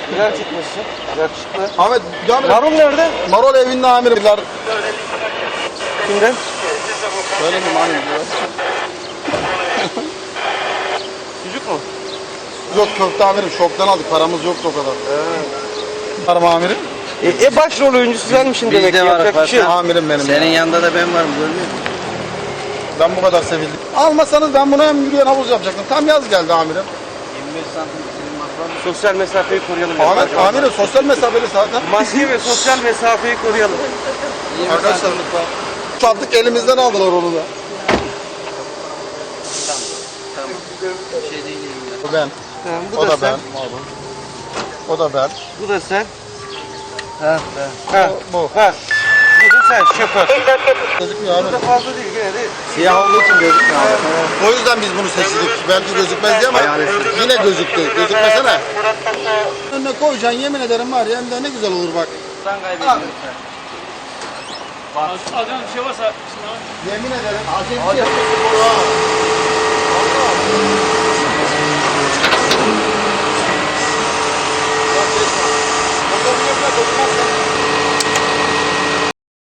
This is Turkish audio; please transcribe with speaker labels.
Speaker 1: Güzel çıkmışsın. Yakışıklı.
Speaker 2: Ahmet, amirim.
Speaker 1: Marul nerede?
Speaker 2: Marul evinde amirim.
Speaker 1: Kimden?
Speaker 2: Söylemeyeyim amirim.
Speaker 1: Çocuk mu?
Speaker 2: Yok köfte amirim. Şoktan aldık. Paramız yoktu o kadar. Var mı amirim?
Speaker 1: Başrol oyuncusu senmişsin demek ki.
Speaker 3: Bizde var
Speaker 1: Yapacak bir şey yok.
Speaker 2: Amirim benim.
Speaker 3: Senin
Speaker 2: ya.
Speaker 3: yanında da ben varım görmüyor musun?
Speaker 2: Ben bu kadar sevildim. Almasanız ben bunu hem yürüyen havuz yapacaktım. Tam yaz geldi amirim.
Speaker 3: 25 santim senin masrafın.
Speaker 1: Sosyal mesafeyi koruyalım.
Speaker 2: Ahmet amirim sosyal mesafeli zaten.
Speaker 1: Maske ve sosyal mesafeyi koruyalım.
Speaker 3: 20
Speaker 2: Arkadaşlar,
Speaker 3: santimlik var.
Speaker 2: Sattık elimizden aldılar onu da.
Speaker 3: Tamam. Bir şey değil elimde.
Speaker 2: O ben.
Speaker 1: Bu
Speaker 2: O
Speaker 1: da
Speaker 2: da
Speaker 1: sen.
Speaker 2: ben. O da ben.
Speaker 1: Bu da sen.
Speaker 3: Ha,
Speaker 1: Ha.
Speaker 2: Bu.
Speaker 1: Ha. Bu da sen şoför.
Speaker 2: Gözükmüyor
Speaker 1: Bu da
Speaker 2: abi.
Speaker 1: fazla değil gene de.
Speaker 3: Siyah olduğu için gözükmüyor abi.
Speaker 2: O yüzden biz bunu seçtik. Belki gözükmez diye ama yine gözüktü. Gözükmesene. Önüne koyacaksın yemin ederim var ya hem de ne güzel olur bak.
Speaker 3: Sen kaybediyorsun.
Speaker 4: Alacağınız bir şey varsa
Speaker 2: Yemin ederim. Acil bir şey.